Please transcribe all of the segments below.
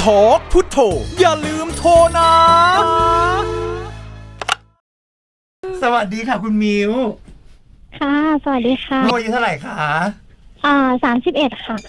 ทอกพุทโธอย่าลืมโทรนะสวัสดีค่ะคุณมิวค่ะสวัสดีค่ะอายุเท่าไหร่คะ 31ค่ะ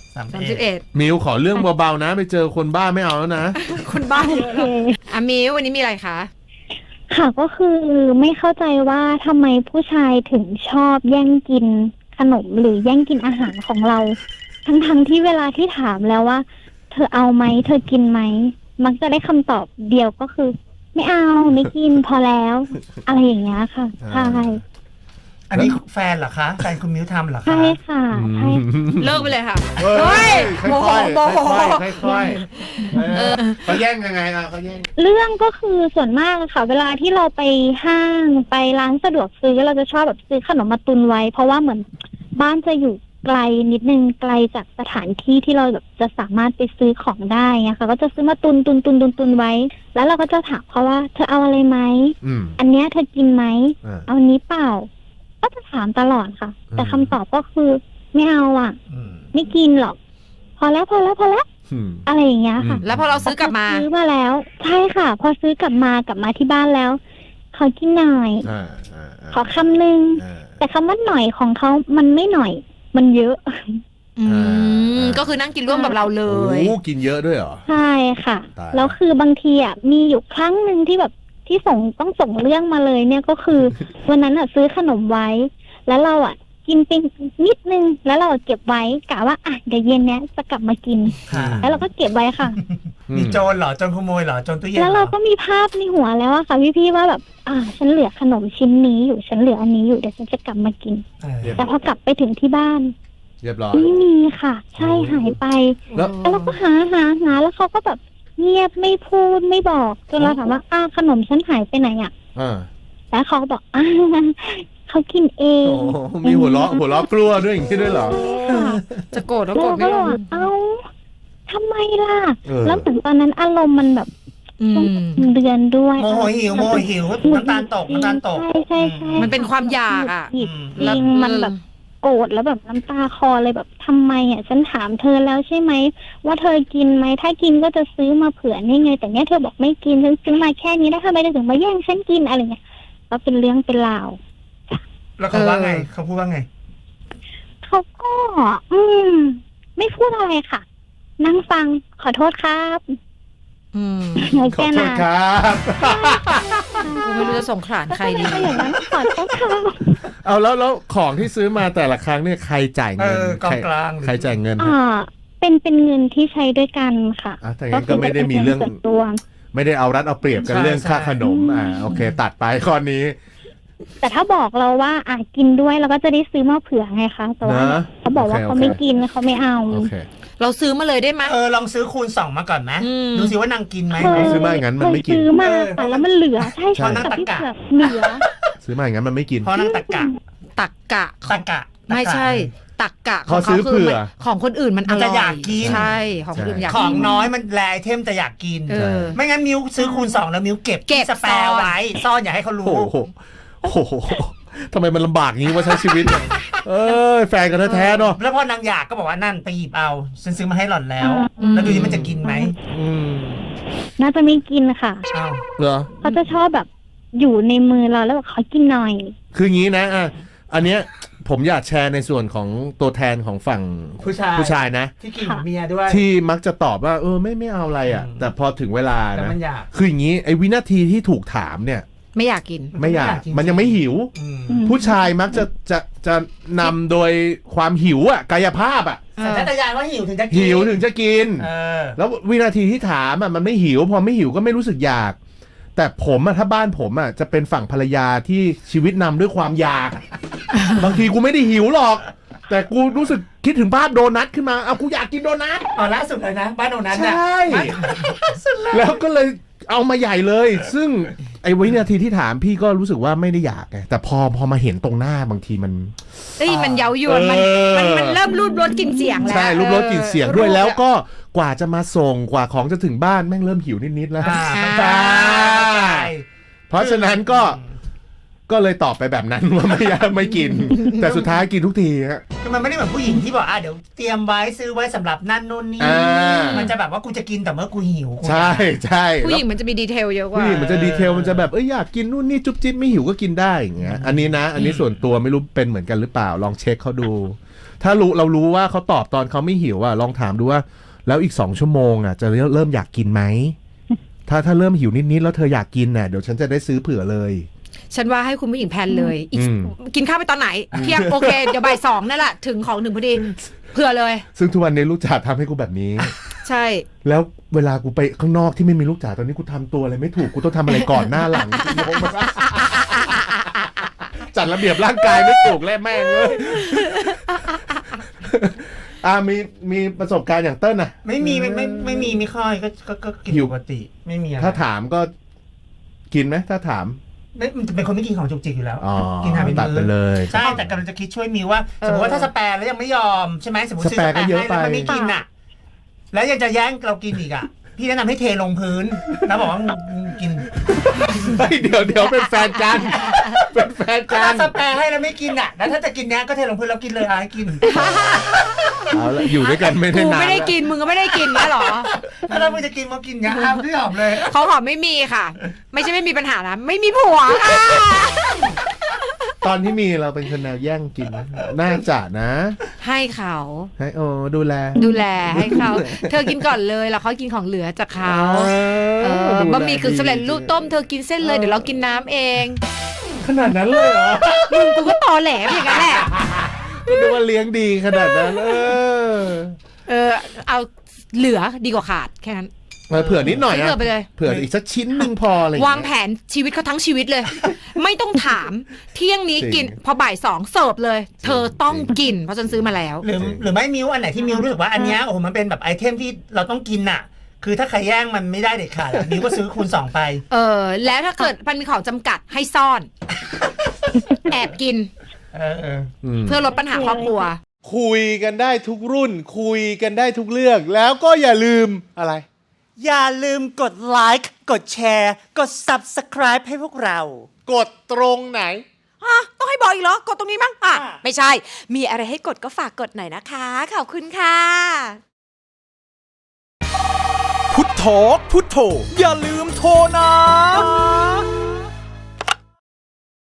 31มิวขอเรื่องเบาๆนะไปเจอคนบ้าไม่เอาแล้วนะคนบ้าเยอะแล้วมิววันนี้มีอะไรคะค่ะก็คือไม่เข้าใจว่าทำไมผู้ชายถึงชอบแย่งกินขนมหรือแย่งกินอาหารของเราทั้งที่เวลาที่ถามแล้วว่าเธอเอาไหมเธอกินไหมมักจะได้คำตอบเดียวก็คือไม่เอาไม่กินพอแล้วอะไรอย่างเงี้ยค่ะใช่อันนี้แฟนเหรอคะแฟนคุณมิวทำเหรอคะใช่ค่ะใช่เลิกไปเลยค่ะเฮ้ยโมโหค่อยเขาแย่งยังไงอ่ะเขาแย่งเรื่องก็คือส่วนมากค่ะเวลาที่เราไปห้างไปร้านสะดวกซื้อเราจะชอบแบบซื้อขนมมาตุนไว้เพราะว่าเหมือนบ้านจะอยู่ไกลนิดนึงไกลจากสถานที่ที่เราแบบจะสามารถไปซื้อของได้นะคะก็จะซื้อมาตุนไว้แล้วเราก็จะถามเขาว่าเธอเอาอะไรไหมอันเนี้ยเธอกินไหมเอาอันนี้เปล่าก็จะถามตลอดค่ะแต่คำตอบก็คือไม่เอาอ่ะไม่กินหรอกพอแล้วอะไรอย่างเงี้ยค่ะแล้วพอเราซื้อกลับมาซื้อมาแล้วใช่ค่ะพอซื้อกลับมาที่บ้านแล้วขอกินหน่อยขอคำนึงแต่คำว่าหน่อยของเขามันไม่หน่อยมันเยอะก็คือนั่งกินร่วมกับเราเลยโอ้กินเยอะด้วยเหรอใช่ค่ะแล้วคือบางทีอ่ะมีอยู่ครั้งนึงที่แบบที่ต้องส่งเรื่องมาเลยเนี่ยก็คือวันนั้นอ่ะซื้อขนมไว้แล้วเราอ่ะกินเป็นนิดนึงแล้วเราเก็บไว้กะว่าอ่ะเดี๋ยวเย็นเนี้ยจะกลับมากินแล้วเราก็เก็บไว้ค่ะมีโจรเหรอโจรขโมยเหรอโจรตู้เย็นแล้วเราก็มีภาพในหัวแล้วอะค่ะพี่ว่าแบบฉันเหลือขนมชิ้นนี้อยู่ฉันเหลืออันนี้อยู่เดี๋ยวฉันจะกลับมากินแต่พอกลับไปถึงที่บ้านเรียบร้อยไม่มีค่ะใช่หายไปแล้วเราก็หาแล้วเขาก็แบบเงียบไม่พูดไม่บอกจนเราถามว่าขนมฉันหายไปไหนอ่ะแล้วเขาก็บอกเขากินเองมีหัวเราะกลัวด้วยอย่างนี้ด้วยเหรอจะโกรธแล้วโกรธไม่ลงทำไมล่ะแล้วถึงตอนนั้นอารมณ์มันแบบเดือนด้วยโมโหหิวน้ำตาลตกใช่มันเป็นความอยากอ่ะจริงมันแบบโกรธแล้วแบบน้ำตาคลอเลยแบบทำไมอ่ะฉันถามเธอแล้วใช่ไหมว่าเธอกินไหมถ้ากินก็จะซื้อมาเผื่อนี่ไงแต่เนี้ยเธอบอกไม่กินฉันซื้อมาแค่นี้แล้วทำไมถึงมาแย่งฉันกินอะไรเงี้ยก็เป็นเรื่องเป็นราวแล้วเขาว่าไงเขาพูดว่าไงเขาก็ไม่พูดอะไรค่ะนั่งฟังขอโทษครับขอโทษครับไม่รู้จะส่งขลานใครดีอย่างนั้นขอโทษครับเอาแล้วของที่ซื้อมาแต่ละครั้งเนี่ยใครจ่ายเงินกองกลางใครจ่ายเงินเป็นเงินที่ใช้ด้วยกันค่ะแต่งั้นก็ไม่ได้มีเรื่องไม่ได้เอารัดเอาเปรียบกันเรื่องค่าขนมโอเคตัดไปข้อนี้แต่ถ้าบอกเราว่ากินด้วยเราก็จะได้ซื้อมาเผื่อไงคะแต่ว่าเขาบอกว่าเขาไม่กินเขาไม่เอาเราซื้อมาเลยได้ไหมลองซื้อคูณ2มาก่อนไหมดูสิว่านางกินไหมซื้อมาอย่างนั้นมันไม่กินซื้อมาแล้วมันเหลือใช่เพราะนางตะกะเหลือซื้อมาอย่างนั้นมันไม่กินเพราะนางตะกะไม่ใช่ตักกะเขาซื้อเผื่อของคนอื่นมันจะอยากกินใช่ของคนอื่นอยากของน้อยมันแลไอเทมจะอยากกินไม่งั้นมิวซื้อคูณ2แล้วมิวเก็บสแปร์ไว้ซ่อนอย่าให้เขารู้โอ้โหทำไมมันลำบากงี้ว่าใช้ชีวิตแฟนกันแท้ๆเนาะแล้วพอนางอยากก็บอกว่านั่นไปหยิบเอาฉันซื้อมาให้หล่อนแล้วแล้วดูดิมันจะกินไหมน่าจะไม่กินค่ะเหรอเขาจะชอบแบบอยู่ในมือเราแล้วแบบขอกินหน่อยคืองี้นะอันเนี้ยผมอยากแชร์ในส่วนของตัวแทนของฝั่งผู้ชายนะที่กินเมียด้วยที่มักจะตอบว่าไม่เอาอะไรอ่ะแต่พอถึงเวลานะคืออย่างนี้ไอ้วินาทีที่ถูกถามเนี่ยไม่อยากกินไม่อยากมันยังไม่หิวผู้ชายมักจะนำโดยความหิวกายภาพสัญชาตญาณว่าหิวถึงจะกินแล้ววินาทีที่ถามมันไม่หิวพอไม่หิวก็ไม่รู้สึกอยากแต่ผมถ้าบ้านผมจะเป็นฝั่งภรรยาที่ชีวิตนำด้วยความอยากบางทีกูไม่ได้หิวหรอกแต่กูรู้สึกคิดถึงภาพโดนัทขึ้นมากูอยากกินโดนัทล่าสุดเลยนะบ้านโดนัทใช่แล้วก็เลยเอามาใหญ่เลยซึ่งไอ้วินาทีที่ถามพี่ก็รู้สึกว่าไม่ได้อยากไงแต่พอมาเห็นตรงหน้าบางทีมันเย้ายวนมันเริ่มรูดรสกลิ่นเสียงแล้วใช่รูดรสกลิ่นเสียงด้วยแล้วก็กว่าจะมาส่งกว่าของจะถึงบ้านแม่งเริ่มหิวนิดๆแล้วเพราะฉะนั้นก็ก็เลยตอบไปแบบนั้นว่าไม่กิน แต่สุดท้ายกินทุกทีฮะคือมันไม่ได้เหมือนผู้หญิงที่บอกเดี๋ยวเตรียมไว้ซื้อไว้สำหรับนั่นนู่นนี่ มันจะแบบว่ากูจะกินแต่เมื่อกูหิวใช่ใช่ผู้หญิงมันจะมีดีเทลเยอะกว่าผู้หญิงมันจะดีเทลมันจะแบบอยากกินนู่นนี่จุ๊บจิ๊บไม่หิวก็กินได้อย่างเงี้ยอันนี้นะอันนี้ส่วนตัวไม่รู้เป็นเหมือนกันหรือเปล่าลองเช็คเขาดู ถ้าเรารู้ว่าเขาตอบตอนเขาไม่หิวลองถามดูว่าแล้วอีก2 ชั่วโมงจะเริ่มอยากกินไหมถ้าเริ่มหิวนิดๆแล้วเธออยากกินเดี๋ยวฉันจะได้ซื้อเผื่อเลยฉันว่าให้คุณผู้หญิงแพลนเลยอีกกินข้าวไปตอนไหนเที่ยงโอเคเดี๋ยวบ่าย 2นั่นแหละถึงของพอดีเผื่อเลยซึ่งทุกวันนี้ลูกจ๋าทำให้กูแบบนี้ใช่แล้วเวลากูไปข้างนอกที่ไม่มีลูกจ๋าตอนนี้กูทำตัวอะไรไม่ถูกกูต้องทำอะไรก่อนหน้าหลังจัดระเบียบร่างกายไม่ถูกและแม่งเลยมีประสบการณ์อย่างเติ้ลไม่มีไม่ค่อยก็กินปกติไม่มีอะไรถ้าถามก็กินไหมถ้าถามมันจะเป็นคนไม่กินของจุกจิกอยู่แล้วกินหาเป็นมื้อเลยใช่แต่กำลังจะคิดช่วยมิวว่าสมมติว่าถ้าสแปร์แล้วยังไม่ยอมใช่ไหมสมมติซื้อสแปร์ให้แล้วมันไม่กินแล้วยังจะแย่งเรากินอีกพี่แนะนำให้เทลงพื้นแล้วบอกว่ากินเดี๋ยวเป็นแฟนกันเป็นแฟนกันถ้าสแปร์ให้แล้วไม่กินแล้วถ้าจะกินเนี้ยก็เทลงพื้นแล้วกินเลยให้กินเอาละอยู่ด้วยกันไม่ได้นานกูไม่ได้กินมึงก็ไม่ได้กินนะหรอถ้าเราไม่จะกินมากินเนี้ยพี่หอมเลยเขาหอมไม่มีค่ะไม่ใช่ไม่มีปัญหานะไม่มีผัวค่ะตอนที่มีเราเป็นคนแนวแย่งกินน่าจะนะให้เขาให้ดูแลให้เขาเธอกินก่อนเลยแล้วเขากินของเหลือจากเขาบะหมี่กึ่งสำเร็จรูปต้มเธอกินเส้นเลยเดี๋ยวเรากินน้ำเองขนาดนั้นเลยเหรอกูก็ตอแหลอย่างนั้นแหละดูว่าเลี้ยงดีขนาดนั้นเอาเหลือดีกว่าขาดแค่นั้นเผื่อนิดหน่อยเผื่ออีกสักชิ้นหนึ่งพอเลยวางแผนชีวิตเขาทั้งชีวิตเลยไม่ต้องถามเที่ยงนี้กินพอบ่าย 2เสิร์ฟเลยเธอต้องกินเพราะฉันซื้อมาแล้วหรือไม่มิวอันไหนที่มิวรู้สึกว่าอันนี้โอ้มันเป็นแบบไอเทมที่เราต้องกินคือถ้าใครแย่งมันไม่ได้เด็ดขาดมิวก็ซื้อคูณ2ไปแล้วถ้าเกิดมันมีของจำกัดให้ซ่อนแอบกินเพื่อลดปัญหาครอบครัวคุยกันได้ทุกรุ่นคุยกันได้ทุกเรื่องแล้วก็อย่าลืมอะไรอย่าลืมกดไลค์กดแชร์กด Subscribe ให้พวกเรากดตรงไหนต้องให้บอกอีกเหรอกดตรงนี้มั้งไม่ใช่มีอะไรให้กดก็ฝากกดหน่อยนะคะขอบคุณค่ะพุทโธอย่าลืมโทรนะ